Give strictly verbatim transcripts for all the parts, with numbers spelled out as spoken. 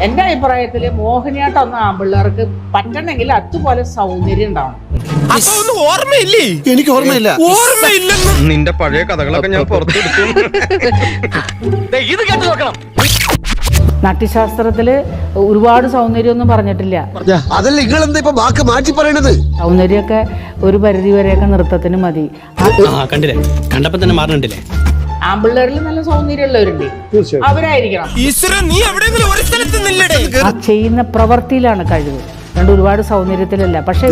എന്റെ അഭിപ്രായത്തില് മോഹിനിയാട്ടം ഒന്ന് ആമ്പിള്ളേർക്ക് പറ്റണമെങ്കിൽ അതുപോലെ സൗന്ദര്യം ഉണ്ടാവണം. ഓർമ്മയില്ലേ? എനിക്ക് ഓർമ്മയില്ല. ഓർമ്മയില്ലെന്ന് നിന്റെ പഴയ കഥകളൊക്കെ ഞാൻ പുറത്തെടുത്തു. ഇത് കേട്ട് നോക്കണം. നാട്യശാസ്ത്രത്തില് ഒരുപാട് സൗന്ദര്യം ഒന്നും പറഞ്ഞിട്ടില്ല. അതല്ല നിങ്ങൾ എന്താ ഇപ്പൊ വാക്ക് മാറ്റി പറയണത്? സൗന്ദര്യമൊക്കെ ഒരു പരിധി വരെയൊക്കെ നൃത്തത്തിന് മതി. കണ്ടില്ലേ, കണ്ടപ്പോ തന്നെ മാറണ്ടില്ലേ? ആമ്പിള്ളേരിൽ നല്ല സൗന്ദര്യമുള്ളവരുണ്ട്, അവരായിരിക്കണം. നീ എവിടെയെങ്കിലും ഒരു സ്ഥലത്ത് നില്ലടേ. ആ ചെയ്യുന്ന പ്രവൃത്തിയിലാണ് കഴിവ്, അതുകൊണ്ട് ഒരുപാട് സൗന്ദര്യത്തിലല്ല. പക്ഷെ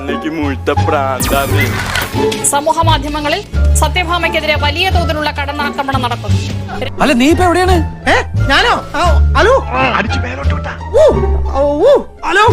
സമൂഹ മാധ്യമങ്ങളിൽ സത്യഭാമയ്ക്കെതിരെ വലിയ തോതിലുള്ള കടന്നാക്രമണം നടക്കുന്നു. അല്ല, നീ ഇപ്പൊ എവിടെയാണ്? ഞാനോ? ഹലോ ഹലോ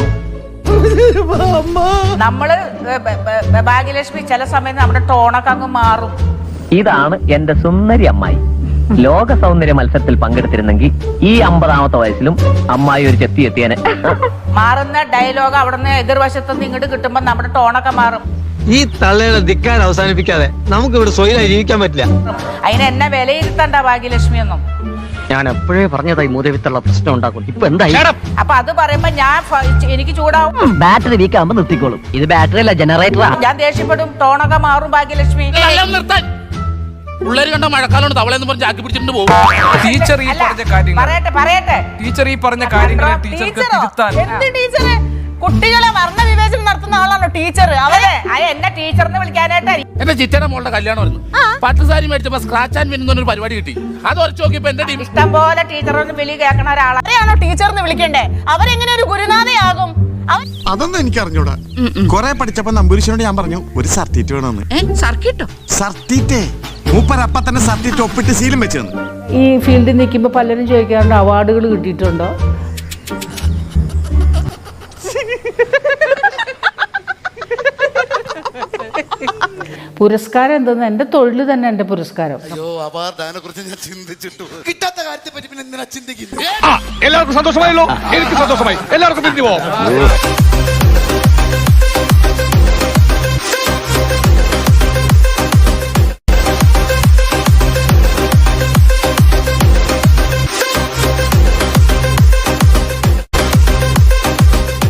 നമ്മള് ഭാഗ്യലക്ഷ്മി ചില സമയത്ത് നമ്മുടെ ടോണൊക്കെ അങ്ങ് മാറും. ഇതാണ് എന്റെ സുന്ദരി അമ്മായി. ലോക സൗന്ദര്യ മത്സരത്തിൽ പങ്കെടുത്തിരുന്നെങ്കിൽ ഈ അമ്പതാമത്തെ വയസ്സിലും അമ്മായി ഒരു ചെത്തി എത്തിയനെ. മാറുന്ന ഡയലോഗ് അവിടുന്ന് എതിർവശത്തുനിന്ന് ഇങ്ങോട്ട് കിട്ടുമ്പോ നമ്മുടെ ടോണൊക്കെ മാറും. ഈ തള്ളയുടെ ധിക്കാൻ അവസാനിപ്പിക്കാതെ നമുക്ക് ഇവിടെ സ്വൈരായി ജീവിക്കാൻ പറ്റില്ല. അതിന് എന്നെ വിലയിരുത്തണ്ട ഭാഗ്യലക്ഷ്മി ഒന്നും. ഞാൻ എപ്പോഴേ പറഞ്ഞതായി മൂതവിത്തുള്ള പ്രശ്നം ഉണ്ടാക്കും. ഇപ്പൊ എന്തായി? അപ്പൊ അത് പറയുമ്പോ ഞാൻ എനിക്ക് ചൂടാവും. ബാറ്ററി വീക്ക് ആകുമ്പോ നിർത്തിക്കോളും. ഇത് ബാറ്ററി അല്ല, ജനറേറ്ററാ. ഞാൻ ദേഷ്യപ്പെടും, ടോണൊക്കെ മാറും. ഭാഗ്യലക്ഷ്മി പിള്ളേര് കണ്ട മഴക്കാലം തവളെന്ന് പറഞ്ഞ് ആക്കി പിടിച്ചിട്ട് പോകും. ടീച്ചർ ഈ പറഞ്ഞ കാര്യങ്ങൾ പറയട്ടെ പറയട്ടെ ടീച്ചർ ഈ പറഞ്ഞ കാര്യങ്ങൾ ടീച്ചർക്ക് തിരുത്താൻ. എന്ത് ടീച്ചറ്? കുട്ടികളെ വർണ്ണ വിവേചനം നടത്തുന്ന ആളാണോ ടീച്ചർ? അവരെ എന്നെ ടീച്ചറിനെ വിളിക്കാനായിട്ട് എന്റെ ചിറ്റയുടെ മോളുടെ കല്യാണം ആയിരുന്നു. പട്ടുസാരി മേടിച്ചപ്പോ സ്ക്രാച്ച് ആൻഡ് വിൻ എന്നൊരു പരിപാടി കിട്ടി. അത് ഉറച്ചു നോക്കിയപ്പോ എന്റെ ടീം ഇഷ്ടം പോലെ ടീച്ചറൊന്നും വിളി കേൾക്കണ ഒരാളാണോ ടീച്ചറിന് വിളിക്കണ്ടേ? അവരെങ്ങനെ ഒരു ഗുരുനാഥയാകും? അതൊന്നും എനിക്ക് അറിഞ്ഞൂടാ. കൊറേ പഠിച്ചപ്പോ നമ്പൂരിശനോട് ഞാൻ പറഞ്ഞു ഒരു സർട്ടിറ്റ് വേണമെന്ന്. സർക്കിട്ടോ? സർട്ടിറ്റേ മൂപ്പരപ്പ തന്നെ സർട്ടിറ്റ് ഒപ്പിട്ട് സീലും വെച്ചു തന്നു. ഈ ഫീൽഡിൽ നിൽക്കുമ്പോ പലരും ചോദിക്കാറുണ്ട് അവാർഡുകൾ കിട്ടിയിട്ടുണ്ടോ? പുരസ്കാരം എന്തെന്ന് എന്റെ തൊഴിൽ തന്നെ എന്റെ പുരസ്കാരം. എല്ലാവർക്കും സന്തോഷമായല്ലോ. എനിക്ക് സന്തോഷമായി. എല്ലാവർക്കും പിരിഞ്ഞു പോവാം.